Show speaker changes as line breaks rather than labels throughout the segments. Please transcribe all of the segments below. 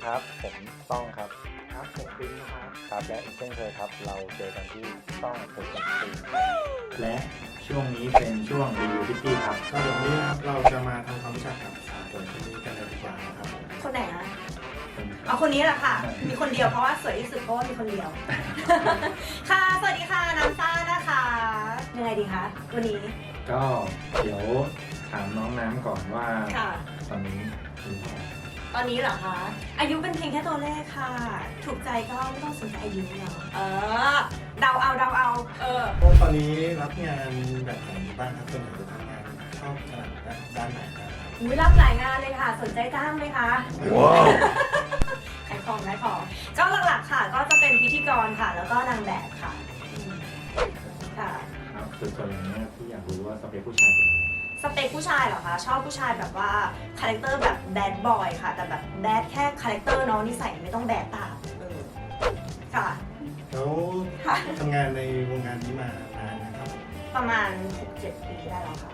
ครับผมต้องครับ
ครับผมปิ๊งนะครับ
ครับและอีกเช่นเคยครับเราเจอกันที่ต้องเทคนิคซี
และช่วงนี้เป็นช่วงรีวิวพิตตี้ครับ
ก็เดี๋ยวนี้นะครับเราจะมาทำความรู้จักกับสาวสวยคนนี้กันเลยดีกว่านะครับ
คนไหนคะเอาคนนี้แหละค่ะ มีคนเดียวเพราะว่าสวยที่สุดเพราะว่ามีคนเดียว ค่ะ สวัสดีค่ะน้ำซ่านะคะยังไงดีคะวันนี้
ก็เดี๋ยวถามน้องน้ำก่อนว่า
ค่ะ
ตอนนี้อายุเท่าไหร่
ตอนนี้เหรอคะ อายุเป็นเพียงแค่ตัวเลขค่ะ ถูกใจก็ไม่ต้องสนใจอายุเนาะเดาเอา
ตอนนี้รับงานแบบไหนบ้างครับส่วนใหญ่จะทำงานชอบถนัดด้านไหนนะครับ
อุ๊ยรับหลายงานเลยค่ะ สนใจจ้างไหมคะ
ว้าว
ขายของก็หลักๆค่ะ ก็จะเป็นพิธีกรค่ะ แล้วก็นางแบบค่ะค่ะ
ครับส่วนอย่างนี้พี่อยากรู้ว่าสเปคผู้ชายเป็นยังไง
สเปคผู้ชายเหรอคะ ชอบผู้ชายแบบว่าคาแรคเตอร์แบบแบดบอยค่ะ แต่แบบแบดแค่คาแรคเตอร์เนาะนิสัยไม่ต้องแบดตามค่ะ
แล้ว
ค่ะ
ทำงานในวงการนี้มานานนะครับ
ประมาณ 6-7 ปีได้แล้วค่ะ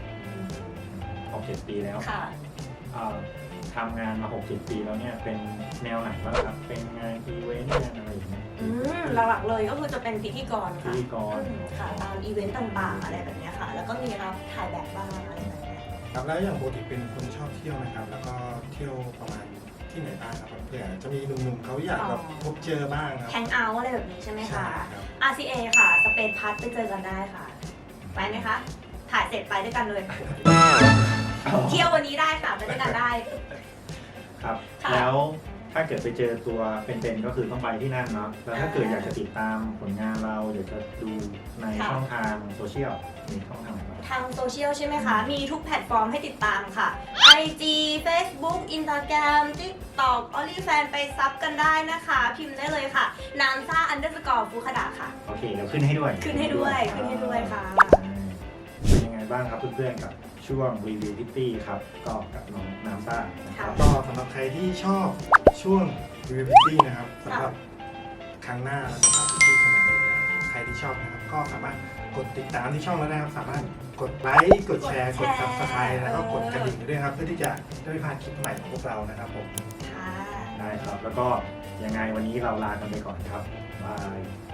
6-7 ปีแล้ว
ค่ะ
เอ่อทำงานมา6-7 ปีแล้วเนี่ยเป็นแนวไหนบ้างครับ เป็นงานอีเวนต์งานอะไรอย่างเงี้ย
หลักๆเลยก็คือจะเป็นพิธีกร
พิ
ค่ะ
ธีกร
ค่ะตามอีเวนต์ต่างๆอะไรแบบเนี้ยค่ะ แล้วก็มีรับถ่ายแบบบ้างอะไรแบบเนี้ย
ครับแล้วอย่างปกติเป็นคนชอบเที่ยวนะครับ แล้วก็เที่ยวประมาณที่ไหนบ้างครับเผื่อจะมีหนุ่มๆเขาอยากแบบพบเจอบ้างครับ
แฮงเอาท์อะไรแบบนี้ใช่ไหม
ใช่
คะ
ครับ
RCA ค่ะ สเปนพัทไปเจอกันได้ค่ะ ไปไหมคะ ถ่ายเสร็จไปด้วยกันเลย เที่ยววันนี้ได้ค่ะไปด้วยกันได้
ครับ
ค่ะ
แล้วถ้าเกิดไปเจอตัวเป็นๆก็คือต้องไปที่นั่นเนาะแล้วถ้าเกิดอยากจะติดตามผลงานเราอยากจะดูในช่องทางโซเชียลมีช่องทางไหนบ้าง
ทางโซเชียลใช่ไหมคะ มีทุกแพลตฟอร์มให้ติดตามค่ะ IG Facebook Instagram TikTok OnlyFans ไปซับกันได้นะคะ พิมพ์ได้เลยค่ะนามซ่า_ฟูคดะค่ะ
โอเคเดี๋ยวขึ้นให้ด้วย
ขึ้นให้ด้วยค่ะ
เป็นยังไงบ้างครับเพื่อนๆกับช่วงรีวิวพิตตี้ครับก็กับน้องน้ำซ่านะครับ
ก็สำหรับใครที่ชอบช่วงรีวิวตี้นะครับสำหรับครั้งหน้าเราจะพาพี่ๆคนไหนอีกนะครับใครที่ชอบนะครับก็สามารถกดติดตามที่ช่องแล้วนะครับสามารถกดไลค์กดแชร์กด Subscribe แล้วก็กดกระดิ่งด้วยครับเพื่อที่จะได้ไม่พลาดคลิปใหม่ของพวกเรานะครับผม
ค่ะ
ได้ครับแล้วก็ยังไงวันนี้เราลากันไปก่อนครับบาย